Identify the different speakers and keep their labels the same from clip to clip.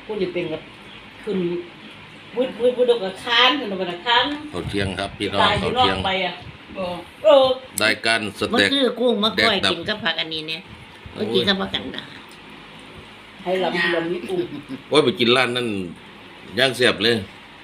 Speaker 1: ผู้จะเป็นกับขึ้นวุ้ดกับค้านขึ้นกับค้าน
Speaker 2: เขาเที่ยงครับพี่น้องเขาเที่ยง
Speaker 1: ไปอ่ะ
Speaker 2: ได้กันส
Speaker 3: มัน
Speaker 2: เต็ก
Speaker 3: คือกุ้งมะก้อยกินกับผักอันนี้เนี่ยก็กินกับผักกันดา
Speaker 1: ให้ลำนี้กุ้ง
Speaker 2: โอ้ยไปกินร้านนั่นย่างเสียบเลย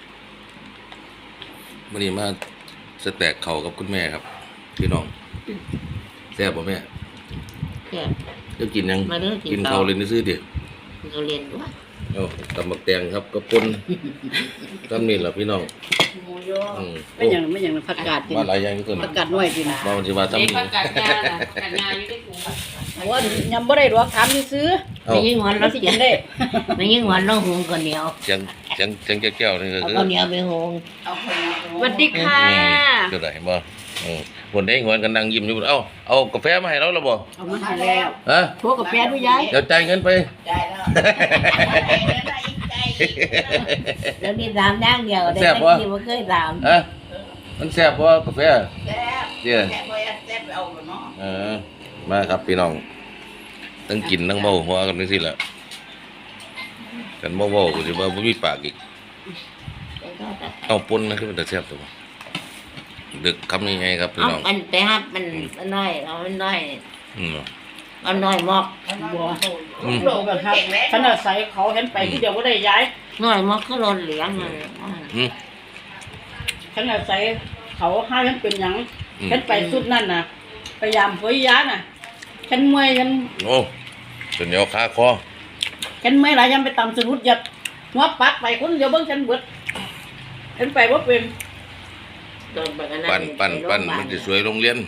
Speaker 2: วันนี้มาสเต็กเข่ากับคุณแม่ครับพี่น้องแซ่บป่ะแม่
Speaker 3: แซ่บ
Speaker 2: จะกินยัง
Speaker 3: มาเด้อกิน
Speaker 2: เข่าเลยนี่ซื้อดิ
Speaker 3: เราเรียนด้วย
Speaker 2: เอาตำบักแตงครับกระปนตำนี่แหละพี่น้อง
Speaker 1: หมูยอไม่อย่างผักกาดกิน
Speaker 2: มาหลายอย่างที่สุด
Speaker 1: ผักกาดน้อยกิน
Speaker 2: มาวันที่ว่าตำนี่
Speaker 4: ผักกาดงาล่ะผักกาดงาอยู่ในถุง
Speaker 1: ว่ายำบ่ได้หรอกถามซื้อ
Speaker 2: เอา
Speaker 3: ไม่ยิ่งหวาน
Speaker 1: เรา
Speaker 3: เรา
Speaker 1: สิ
Speaker 3: เสี
Speaker 1: กิ
Speaker 3: ย
Speaker 1: นได้
Speaker 3: ไม่ยิ่งหวานเราหุงก่อนเหนียว
Speaker 2: จังแก้วนี่ก็
Speaker 3: เอา
Speaker 2: คือ
Speaker 3: ข้าวเหนียวไปหุง
Speaker 4: เอาคนละ
Speaker 1: สวัสดีค่ะ
Speaker 2: เจ้าไหนบ่คนได้เงินกันนั่งยิ้มอยู่เอากาแฟมาให้เราแล้วบ่
Speaker 1: เอามาให้แล้ว
Speaker 2: ฮะ
Speaker 1: โทรกับแฟนด้วยยาย
Speaker 2: เดี๋ยวจ่ายเงินไป
Speaker 4: ได้แล้วได้อีกใจ
Speaker 3: แล้วนี่ตามย่างเดียวได้แต่ที่ว่าเคยตาม
Speaker 2: ฮะมันแซ่บบ่กาแฟ
Speaker 4: แซ่บ
Speaker 2: เดี๋ยว
Speaker 4: แซ่บไปแซ่บไปเอาเนาะ
Speaker 2: มาครับพี่น้องทั้งกินทั้งเมาหัวกันนี่สิแหละกันเมาๆก็สิว่าบ่มีปากอีกเอาปนนะคือมันจะแซ่บตัวบ่ดึกคำนี้ไงครับพี่
Speaker 3: เอา
Speaker 2: น้อง
Speaker 3: มันไปฮับมันน้อยเอามันน้อย
Speaker 2: อืม
Speaker 3: เอาน้อยมอก
Speaker 1: บัวโลกันครับขนาดใส่เขาเห็นไปที่เดียวก็ได้ย้าย
Speaker 3: น้อยมอกคือรนเหลืองเลย
Speaker 2: อืม
Speaker 1: ขนาดใส่เขาห้าฉันเป็นหยังฉันไปสุดนั่นน่ะพยายามเผยยาน่ะฉันเมื่อยฉัน
Speaker 2: โอ้จนเหนียวคาคอ
Speaker 1: ฉันเมื่อยหลายฉันไปตำสนุดหยัดหัวปักไปคนเดียวเบิ่งฉันเบิดฉันไปว่าเป็น
Speaker 3: โดนแบบนั้น
Speaker 2: ปั้นมันจะสวยโรงเรียน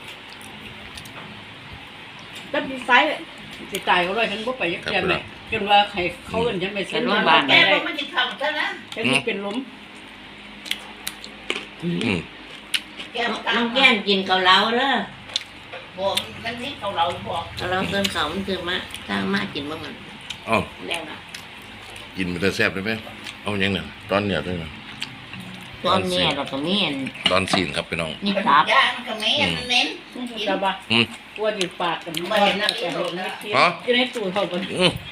Speaker 1: แล้วพี่ไซสิตายเขาเลยฉันบ่ไปยักแกมเลยจนว่าใครเขาเอิ้นฉันไปเซ็นโรงพยาบาล
Speaker 4: แก
Speaker 1: ได้
Speaker 4: มันจะทำซะนะ
Speaker 1: ฉันมีเป็นลม
Speaker 4: แกมัน
Speaker 3: น้องแก้มกินเกาเหลาเด้อ
Speaker 4: บอกมันนี่เขาเราบอก
Speaker 3: เกาเหลาเติมเขามันคือมาสร้างมากินบ้างมัน
Speaker 2: อ้าว
Speaker 3: แล้วนะ
Speaker 2: กินมันจะแซ่บได้ไหมเอาอย่างนั้นตอนเนี้ยด้วยนะ
Speaker 3: ตอนนี้เราก็มีอัน
Speaker 2: ตอนซีนครับพี่น้อง
Speaker 3: นี่ครับ
Speaker 4: ย่างก็ไม่เน้น
Speaker 1: จะบ่
Speaker 2: อืม
Speaker 1: กลัวดิปากกันบ่เห็นนะแต่เห็นนะอยู่ในตู้เขาบ่
Speaker 2: อืม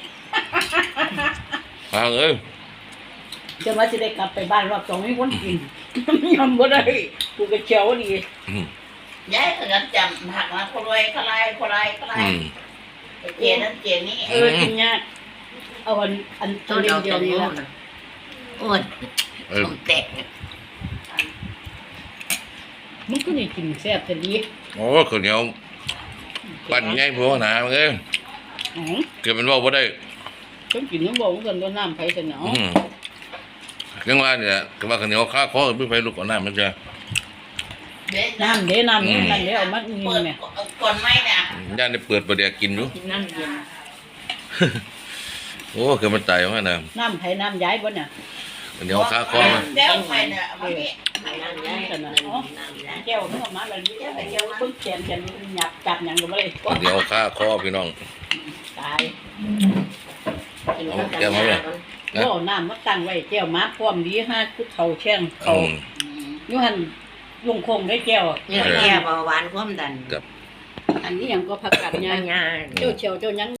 Speaker 2: ฟังเอ้ย
Speaker 1: จะว่าสิได้กลับไปบ้านรอบ2มีคนกินยอมบ่ได้กูก็เขียวดี
Speaker 2: อืม
Speaker 4: ย้ายก็จะจำหักมาคนรวยคนไรคนไรคนไร
Speaker 2: อืม
Speaker 4: เจียนั่นเจียนี่
Speaker 1: กินยากเอาอัน
Speaker 3: ตัว
Speaker 1: เดี
Speaker 3: เดี
Speaker 1: ย
Speaker 3: ยว ว
Speaker 1: เดียว
Speaker 3: นี้
Speaker 1: นี้
Speaker 3: ละ
Speaker 1: ละ
Speaker 3: โอ้ยต้มแตก
Speaker 1: มึงก็นี่กินแซ่บแต่ดี
Speaker 2: โอ้ข้าวเหนียวปั้นง่ายพวกหนาเอ้ย
Speaker 1: อ๋อ
Speaker 2: เกิดเป็นว่าบ่ได้
Speaker 1: ต้องกินต้องบอกกันว่าน้ำไผแต่เนาะ
Speaker 2: ยังว่าเนี่ยก็ว่าข้าวเหนียวข้าคอไม่ไปลูกก่อนหน้ามันจะ
Speaker 1: น้ำเด้น้ำนี่นั่นเด้เอามากิน
Speaker 4: เปิด
Speaker 1: แม่
Speaker 4: ก่อนไหมเนี่ย
Speaker 2: ย่านได้เปิดประเดี๋ยวกินอยู่
Speaker 3: กินน้ำเย็น
Speaker 2: โอ้เกิดมันตายว่าน่ะ
Speaker 1: น้ำไผน้ำย้ายบ่เนี่ย
Speaker 2: ข้าวเหนียวข้าคอมา
Speaker 4: เดี๋ยวไปเนี่ยมันนี่
Speaker 3: น้ำย้ายน้ำย้าย
Speaker 1: แก้วนึกออกมาแล้วนี่แก้วเบิ่งแขนหยับจับหยังก็บ่ได้
Speaker 2: ข้าวเหนียวข้าคอพี่น้อง
Speaker 1: ตาย
Speaker 3: กินข้าวกัน
Speaker 1: บ่เอาน้ำมาตั้งไว้แก้วมาพร้อมดีห้าผู้เฒ่าแช่งเขา อยู่หั่นลุงคงได้แก้ว
Speaker 3: เนี่ยแก้เบาหวานความดัน
Speaker 2: กับ
Speaker 1: อันนี้หยังก็ผักกาด
Speaker 3: ยา
Speaker 1: ย่าง
Speaker 3: ยา
Speaker 1: เจ้าเชียวเจ้าหยัง